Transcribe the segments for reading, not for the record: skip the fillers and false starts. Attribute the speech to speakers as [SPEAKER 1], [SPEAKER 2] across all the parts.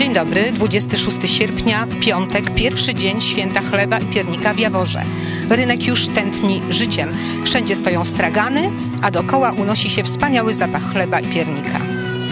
[SPEAKER 1] Dzień dobry, 26 sierpnia, piątek, pierwszy dzień święta chleba i piernika w Jaworze. Rynek już tętni życiem. Wszędzie stoją stragany, a dookoła unosi się wspaniały zapach chleba i piernika.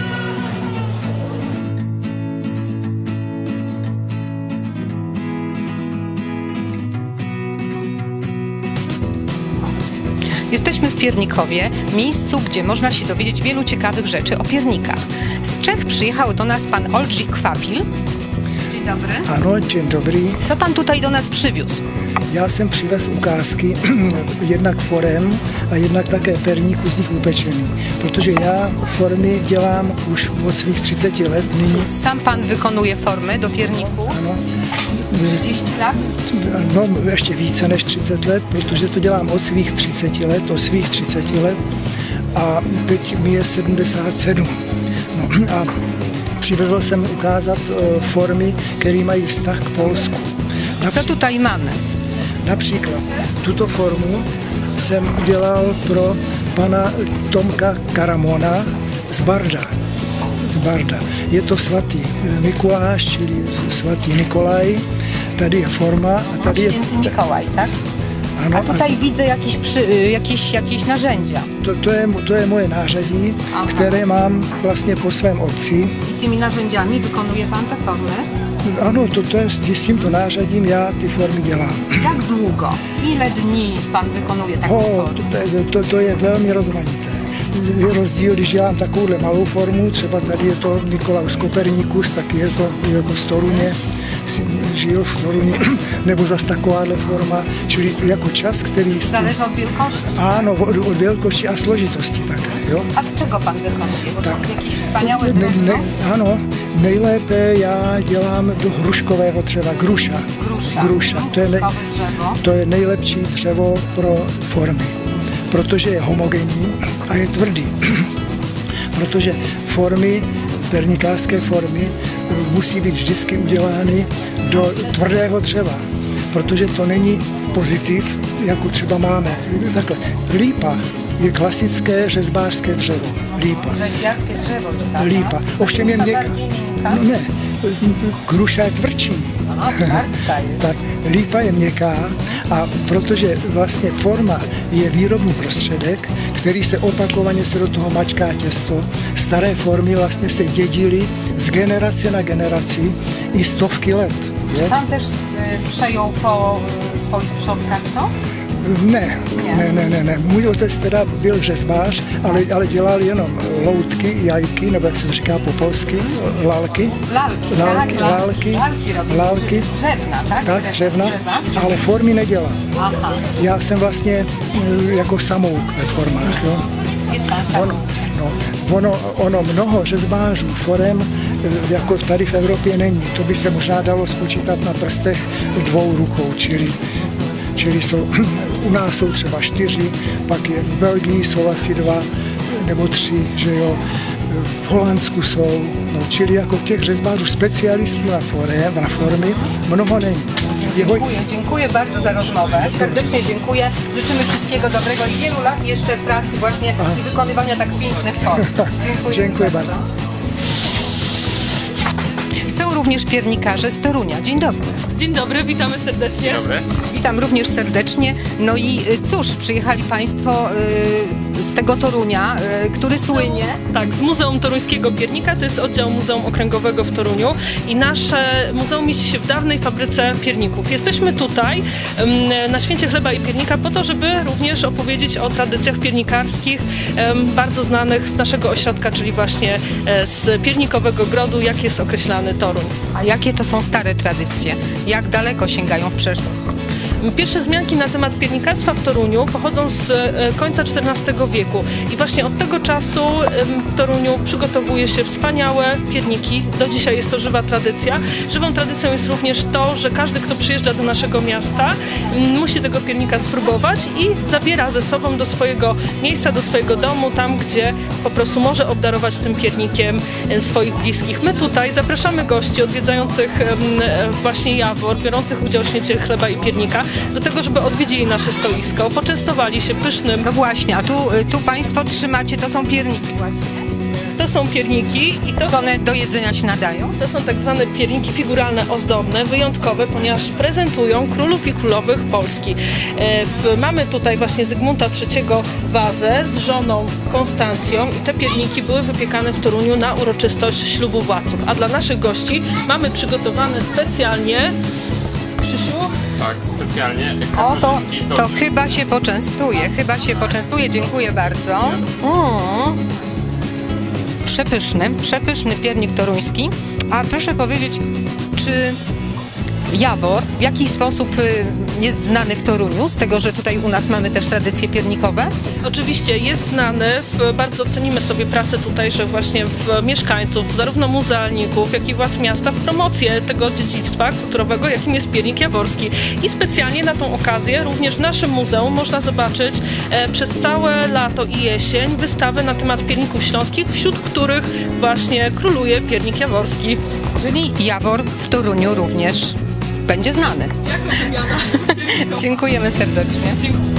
[SPEAKER 1] Jesteśmy w Piernikowie, miejscu, gdzie można się dowiedzieć wielu ciekawych rzeczy o piernikach. Z Czech przyjechał do nas pan Oldřich Kvapil. Dzień dobry.
[SPEAKER 2] Ano, dzień dobry.
[SPEAKER 1] Co pan tutaj do nas przywiózł?
[SPEAKER 2] Já jsem přivez ukázky jednak forem a jednak také perníku z nich upečený, protože já formy dělám už od svých 30 let nyní.
[SPEAKER 1] Sam pan wykonuje formy do pierniku?
[SPEAKER 2] Ano.
[SPEAKER 1] 30 lat?
[SPEAKER 2] No, ještě více než 30 let, protože to dělám od svých 30 let, a teď mi je 77. No, a přivezl jsem ukázat formy, které mají vztah k Polsku.
[SPEAKER 1] Co tutaj mamy?
[SPEAKER 2] Například tuto formu jsem udělal pro pana Tomka Karamona z Barda. Je to svatý Mikuláš, čili svatý Nikolaj. Tady je forma a tady je...
[SPEAKER 1] Święty Mikołaj, tak?
[SPEAKER 2] Ano,
[SPEAKER 1] a tutaj widzę jakieś narzędzia.
[SPEAKER 2] To je moje nářadí, které mám vlastně po svém otci.
[SPEAKER 1] I tymi narzędziami wykonuje pan te formy?
[SPEAKER 2] Ano, s tímto nářadím já ty formy dělám.
[SPEAKER 1] Jak długo? Ile dní pan vykonuje taką formę?
[SPEAKER 2] To je velmi rozmanité. Je rozdíl, když dělám takovouhle malou formu, třeba tady je to Nikolaus Kopernikus, tak je to jako z Toruně, žil v Toruně, nebo zase takováhle forma, čili jako čas, který...
[SPEAKER 1] Zależy od wielkości?
[SPEAKER 2] Ano, od wielkości a složitosti také, jo.
[SPEAKER 1] A z czego pan wykonuje? Bo
[SPEAKER 2] tak.
[SPEAKER 1] to jakieś wspaniałe drewno?
[SPEAKER 2] Ano, nejlépe já dělám do hruškového dřeva, gruša. To je nejlepší dřevo pro formy, protože je homogenní a je tvrdý. Protože formy, pernikářské formy, musí být vždycky udělány do tvrdého dřeva, protože to není pozitiv, jako třeba máme. Takhle, lípa je klasické řezbářské dřevo. Lípa.
[SPEAKER 1] Rzeźbiarskie drzewo to tak,
[SPEAKER 2] Lípa. Ovšem je měkká. No ne, gruša je tvrdší. Tak, lípa je měkká, a protože vlastně forma je výrobní prostředek, který se opakovaně do toho mačká těsto. Staré formy vlastně se dědily z generace na generaci i stovky let.
[SPEAKER 1] Czy pan też przejął po swoich przodkach to?
[SPEAKER 2] Ne. Můj otec teda byl řezbář, ale dělal jenom loutky, jajky, nebo jak se to říká po polsky, lalky. Lalky.
[SPEAKER 1] Dřevna, tak?
[SPEAKER 2] Tak, dřevna, ale formy nedělal.
[SPEAKER 1] Aha.
[SPEAKER 2] Já jsem vlastně jako samouk ve formách, jo.
[SPEAKER 1] Jest pan samouk.
[SPEAKER 2] Ono mnoho řezbářů forem jako tady v Evropě není. To by se možná dalo spočítat na prstech 2 rukou, čili jsou, u nás jsou třeba 4, pak je v Belgii jsou asi 2 nebo 3, že jo, v Holandsku jsou, no, čili jako těch řezbářů specialistů na formy mnoho není.
[SPEAKER 1] Dziękuję bardzo za rozmowę. Serdecznie dziękuję. Życzymy wszystkiego dobrego i wielu lat jeszcze pracy właśnie i wykonywania tak pięknych form.
[SPEAKER 2] Dziękuję bardzo.
[SPEAKER 1] Są również piernikarze z Torunia. Dzień dobry.
[SPEAKER 3] Dzień dobry, witamy serdecznie.
[SPEAKER 4] Dzień dobry.
[SPEAKER 1] Witam również serdecznie. No i cóż, przyjechali państwo z tego Torunia, który słynie.
[SPEAKER 3] Tak, z Muzeum Toruńskiego Piernika, to jest oddział Muzeum Okręgowego w Toruniu i nasze muzeum mieści się w dawnej fabryce pierników. Jesteśmy tutaj na Święcie Chleba i Piernika po to, żeby również opowiedzieć o tradycjach piernikarskich, bardzo znanych z naszego ośrodka, czyli właśnie z piernikowego grodu, jak jest określany Toruń.
[SPEAKER 1] A jakie to są stare tradycje? Jak daleko sięgają w przeszłość?
[SPEAKER 3] Pierwsze wzmianki na temat piernikarstwa w Toruniu pochodzą z końca XIV wieku i właśnie od tego czasu w Toruniu przygotowuje się wspaniałe pierniki. Do dzisiaj jest to żywa tradycja. Żywą tradycją jest również to, że każdy, kto przyjeżdża do naszego miasta, musi tego piernika spróbować i zabiera ze sobą do swojego miejsca, do swojego domu, tam gdzie po prostu może obdarować tym piernikiem swoich bliskich. My tutaj zapraszamy gości odwiedzających właśnie Jawor, biorących udział w Święcie Chleba i Piernika, do tego, żeby odwiedzili nasze stoisko, poczęstowali się pysznym.
[SPEAKER 1] No właśnie, a tu państwo trzymacie, to są pierniki właśnie.
[SPEAKER 3] To są pierniki i to
[SPEAKER 1] One do jedzenia się nadają?
[SPEAKER 3] To są tak zwane pierniki figuralne ozdobne, wyjątkowe, ponieważ prezentują królów i królowych Polski. Mamy tutaj właśnie Zygmunta III wazę z żoną Konstancją i te pierniki były wypiekane w Toruniu na uroczystość ślubu władców. A dla naszych gości mamy przygotowane specjalnie, Krzysiu,
[SPEAKER 4] Tak, specjalnie.
[SPEAKER 1] O, to chyba się poczęstuje, dziękuję bardzo. Przepyszny piernik toruński. A proszę powiedzieć, czy Jawor w jakiś sposób jest znany w Toruniu, z tego, że tutaj u nas mamy też tradycje piernikowe?
[SPEAKER 3] oczywiście jest znany, bardzo cenimy sobie pracę tutejszych właśnie mieszkańców, zarówno muzealników, jak i władz miasta w promocję tego dziedzictwa kulturowego, jakim jest piernik jaworski. I specjalnie na tą okazję również w naszym muzeum można zobaczyć przez całe lato i jesień wystawy na temat pierników śląskich, wśród których właśnie króluje piernik jaworski.
[SPEAKER 1] Czyli Jawor w Toruniu również będzie znany.
[SPEAKER 3] Jako wymiana.
[SPEAKER 1] Dziękujemy serdecznie.
[SPEAKER 3] Dziękuję.